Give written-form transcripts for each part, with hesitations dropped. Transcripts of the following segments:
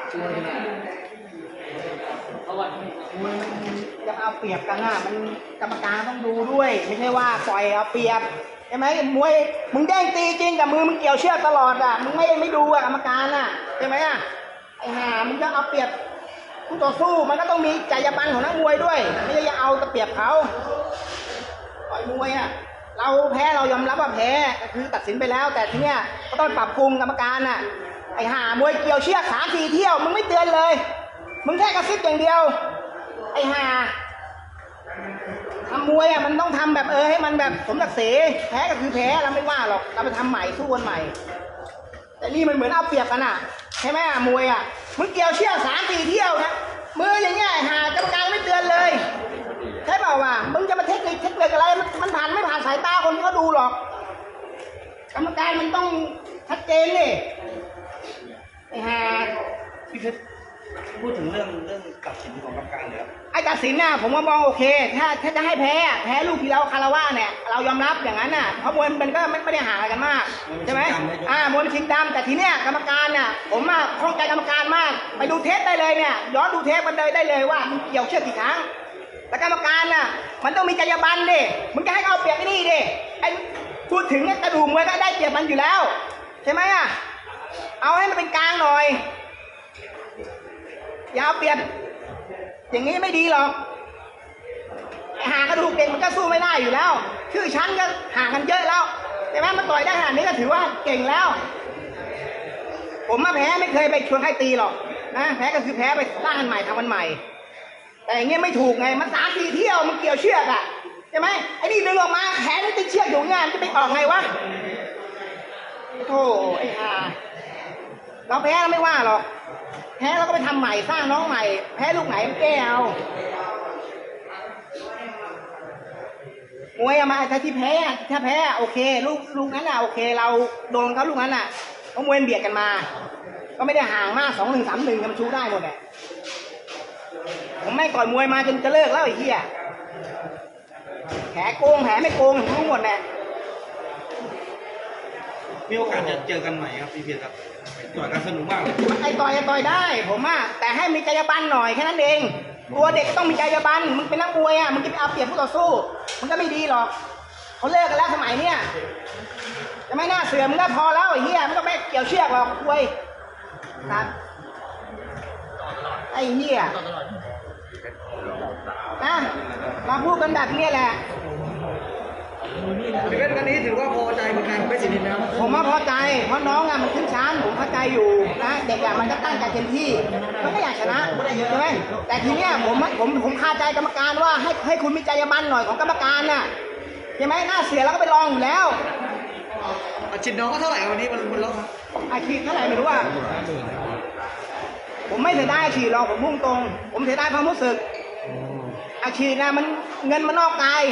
มันจะเอาเปรียบกันน่ะมันกรรมการต้องดูด้วยไม่ใช่ว่าปล่อยเอาเปรียบใช่ไหมมวยมึงแดงตีจริงแต่มือมึงเกี่ยวเชือกตลอดอ่ะมึงไม่ดูอ่ะกรรมการอ่ะใช่ไหมอ่ะไอ้ห่ามึงจะเอาเปรียบผู้ต่อสู้มันก็ต้องมีจรรยาบรรณของนักมวยด้วยไม่ใช่จะเอาแต่เปรียบเขาต่อยมวยอ่ะเราแพ้เรายอมรับว่าแพ้คือตัดสินไปแล้วแต่ทีเนี้ยก็ต้องปรับปรุงกรรมการอ่ะไอ้ห่ามวยเกี่ยวเชือก3-4 เที่ยวมึงไม่เตือนเลยมึงแค่กระซิบอย่างเดียวไอ้ห่าทำมวยอ่ะมันต้องทำแบบให้มันแบบสมศักดิ์ศรีแพ้ก็คือแพ้เราไม่ว่าหรอกเราไปทำใหม่สู้กันใหม่แต่นี่มันเหมือนเอาเปรียบกันอ่ะใช่ไหมอ่ะมวยอ่ะมึงเกี่ยวเชือก3-4 เที่ยวนะมืออย่างเงี้ยห่ากรรมการไม่เตือนเลยใช่เปล่าวะมึงจะมาเทคนิคอะไรมันผ่านไม่ผ่านสายตาคนที่เขาดูหรอกกรรมการมันต้องชัดเจนเลยไอ้ห่าพี่เพชรพูดถึงเรื่องตัดสินของกรรมการเลยครับไอ้ตัดสินน่ะผมว่ามองโอเคถ้าจะให้แพ้ลูกที่เราคารวะเนี่ยเรายอมรับอย่างนั้นน่ะเพราะมวยมันก็ไม่ได้ห่างอะไรกันมากใช่ไหมมวยชิงดำแต่ทีเนี้ยกรรมการน่ะผมข้องใจกรรมการมากไปดูเทปได้เลยเนี่ยย้อนดูเทปมันได้เลยว่ามันเกี่ยวเชือกกี่ครั้งแล้วกรรมการน่ะมันต้องมีจรรยาบรรณดิมึงจะให้เอาเปรียบไอ้นี่ดิไอ้พูดถึงกระดูกมวยก็ได้เปรียบมันอยู่แล้วใช่ไหมอ่ะเอาให้มันเป็นกลางหน่อยอย่าเอาเปรียบอย่างนี้ไม่ดีหรอกหากระดูกเก่งมันก็สู้ไม่ได้อยู่แล้วชื่อชั้นก็ห่างกันเยอะแล้วใช่ไหมมันต่อยได้ขนาดนี้ก็ถือว่าเก่งแล้วผมมาแพ้ไม่เคยไปชวนใครตีหรอกนะแพ้ก็คือแพ้ไปสร้างกันใหม่ทำกันใหม่แต่อย่างเงี้ยไม่ถูกไงมัน3-4 เที่ยวมันเกี่ยวเชือกอ่ะใช่ไหมไอ้นี่ดึงออกมาแขนมันติดเชือกอยู่งานจะไปออกไงวะโธ่ไอ้ห่าเราแพ้เราไม่ว่าหรอกแพ้เราก็ไปทำใหม่สร้างน้องใหม่แพ้ลูกไหนมันแก้เอามวยมาถ้าที่แพ้ถ้าแพ้โอเคลูกนั้นน่ะโอเคเราโดนเขาลูกนั้นน่ะเพราะมวยเบียดกันมาก็ไม่ได้ห่างมาก2-1 3-1กันชูได้หมดแหละผมไม่ก่อยมวยมาจนจะเลิกแล้วไอ้เหี้ยแผลโกงแผลไม่โกงรู้หมดแหละมีโอกาสจะเจอกันใหม่ครับพี่เพชรครับต่อยกันสนุกมากไอ้ต่อยได้ผมแต่ให้มีจรรยาบรรณหน่อยแค่นั้นเองตัวเด็กต้องมีจรรยาบรรณมึงเป็นนักมวยมึงจะไปเอาเปรียบผู้ต่อสู้มันก็ไม่ดีหรอกเขาเลิกกันแล้วสมัยเนี้ยจะไม่น่าเสือมึงก็พอแล้วไอ้เหี้ยมึงก็ไม่เกี่ยวเชือกหรอกมวยครับไอ้เหี้ยนะมาพูดกันแบบนี้แหละพี่เพชรวันนี้ถือว่าพอใจเหมือนกันไม่สินินนะผมว่าพอใจเพราะน้องมันขึ้นชั้นผมเข้าใจอยู่นะเด็กมันก็ตั้งใจเต็มที่มันก็อยากชนะใช่ไหมแต่ทีเนี้ยผมคาใจกรรมการว่าให้คุณมีจรรยาบรรณหน่อยของกรรมการน่ะใช่ไหมหน้าเสียแล้วก็ไปลองอยู่แล้วอาชีพน้องก็เท่าไหร่วันนี้มันลดอาชีพเท่าไหร่ไม่รู้ว่าผมไม่เสียดายอาชีพหรอกผมพุ่งตรงผมเสียดายความรู้สึกอาชีพนะมันเงินมันนอกกาย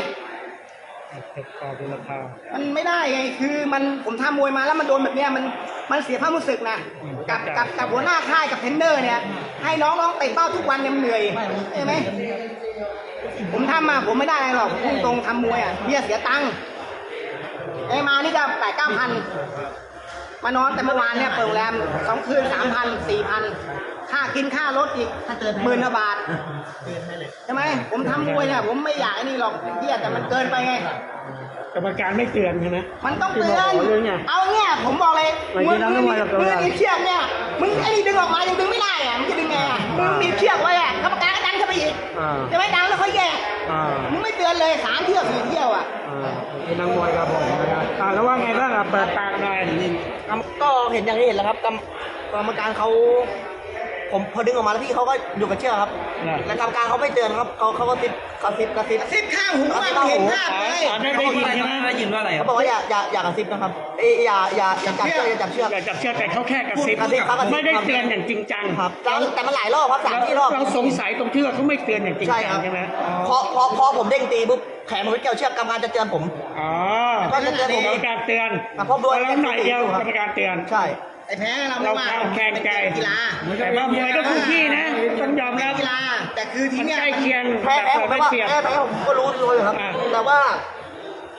มันไม่ได้ไงคือผมทำมวยมาแล้วมันโดนแบบเนี้ยมันเสียความรู้สึกนะกับหัวหน้าค่ายกับเทรนเนอร์เนี่ยให้น้องเตะเป้าทุกวันเนี่ยมันเหนื่อยใช่ไหมผมทำมาผมไม่ได้อะไรหรอกพุ่งตรงทำมวยเบี้ยเสียตังค์มานี่ก็8-9 พันมานอนแต่เมื่อวานเนี่ยเปิดโรงแรม2 คืน 3,000 4,000ค่ากินค่ารถอีก10,000 บาทใช่ไหมผมทำมวยเนี่ยผมไม่อยากนี่หรอกเบี้ยแต่มันเกินไปไงกรรมการไม่เตือนใช่ไหมมันต้องเตือนเอาเนี่ยผมบอกเลยมือมีเชือกเนี่ยมึงไอ้นี่ดึงออกมายังดึงไม่ได้มึงจะดึงไงมึงมีเชือกไว้กรรมการก็ดันเข้าไปอีกจะไม่ดันแล้วค่อยแยกมึงไม่เตือนเลย3 เที่ยว 4 เที่ยวเป็นนักมวยครับผมแล้วว่าไงบ้างเปิดปากหน่อยก็เห็นอย่างที่เห็นแล้วครับกรรมการเขาผมพอดึงออกมาแล้วพี่เขาก็อยู่กับเชือกครับแล้วกรรมการเขาไม่เตือนครับเขาก็กระซิบข้างหูเห็นภาพเลยได้ยินใช่ไหมได้ยินว่าอะไรเขาบอกว่าอย่ากระซิบนะครับอย่าจับเชือกอย่าจับเชือกแต่เขาแค่กระซิบไม่ได้เตือนอย่างจริงจังครับแต่มันหลายรอบครับ3-4 รอบเราสงสัยตรงที่ว่าเขาไม่เตือนอย่างจริงจังใช่ไหมพอผมเด้งตีปุ๊บแขนผมไปเกี่ยวเชือกกรรมการจะเตือนผมก็จะเตือนผมกรรมการเตือนเพราะด้วยหน่อยเดียวกรรมการเตือนใช่ไอ้แพ้เราไม่ว่าแข่งใจกีฬาแต่ว่ามวยก็คู่ขี้นะต้องยอมรับกีฬาแต่คือที่เนี้ยใกล้เคียงแพ้ผมก็รู้เลยครับแต่ว่า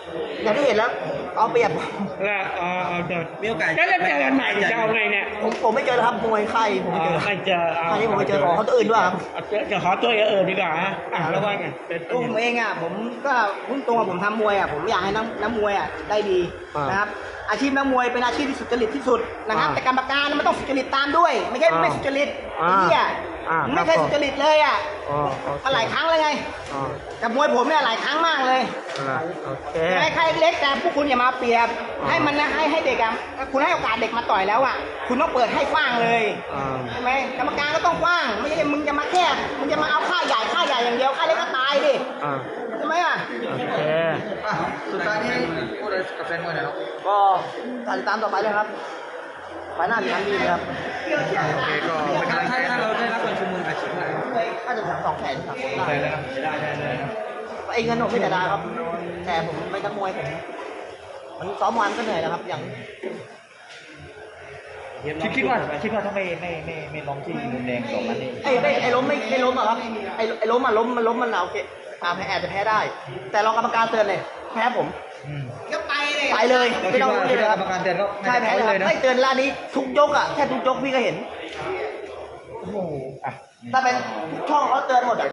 อย่างที่เห็นแล้วเอาเปรียบแล้วเจอมีโอกาสแล้วจะเจอกันใหม่จะเอาไงเนี่ยผมไม่เจอแล้วครับมวยไข่ผมไม่เจอไม่เจอคราวนี้ผมไปเจอของเขาตัวอื่นด้วยครับจะขอตัวดีกว่าฮะแล้วว่าไงตัวผมเองอ่ะผมก็พุ่งตรงผมทำมวยอ่ะผมอยากให้นักมวยอ่ะได้ดีนะครับอาชีพนักมวยเป็นอาชีพที่สุจริตที่สุดนะครับแต่กรรมการมันต้องสุจริตตามด้วย ไม่ใช่ไม่สุจริตไอ้เนี่ยไม่เคยสุจริตเลยอ่ะมาหลายครั้งเลยไงกับมวยผมเนี่ยหลายครั้งมากเลยโอเคให้ใครเล็กแต่พวกคุณอย่ามาเปรียบให้มันนะให้เด็กอ่ะคุณให้โอกาสเด็กมาต่อยแล้วอ่ะคุณต้องเปิดให้กว้างเลยใช่ไหมกรรมการก็ต้องกว้างไม่ใช่มึงจะมาแคบมึงจะมาเอาค่าใหญ่อย่างเดียวค่าเล็กก็ตายดิใช่ไหมอ่ะโอเคสุดท้ายนี้พูดอะไรกับแฟนมวยหน่อยครับก็ติดตามต่อไปเลยครับไฟหน้าจะทำดีเลยครับโอเคก็ถ้าเราได้รับการชุมนุมอาชีพอะไรค่าจะ3 2 แสนครับได้เลยครับได้เลยครับไอ้เงินผมไม่แต่ได้ครับ แต่ผมไม่นักมวยผมมันซ้อมวันก็เหนื่อยแล้วครับอย่างคิดว่าถ้าไม่ล้มที่มุมแดงสองนัดนี่ไอ้ล้มไม่ล้มอะครับไอ้ล้มอะล้มมันโอเคแพ้อาจจะแพ้ได้ แต่รองกรรมการเตือนเลยแพ้ผมก็ไปเลยไปเลยเราไม่คิดต้องว่ารู้เลยครับกรรมการเตือนก็ใช่แพ้เลยครับไม่เตือนล่านี้ทุกยกอะแค่ทุกยกพี่ก็เห็นอ่ะถ้าเป็นช่องเขาเตือนหมดอะ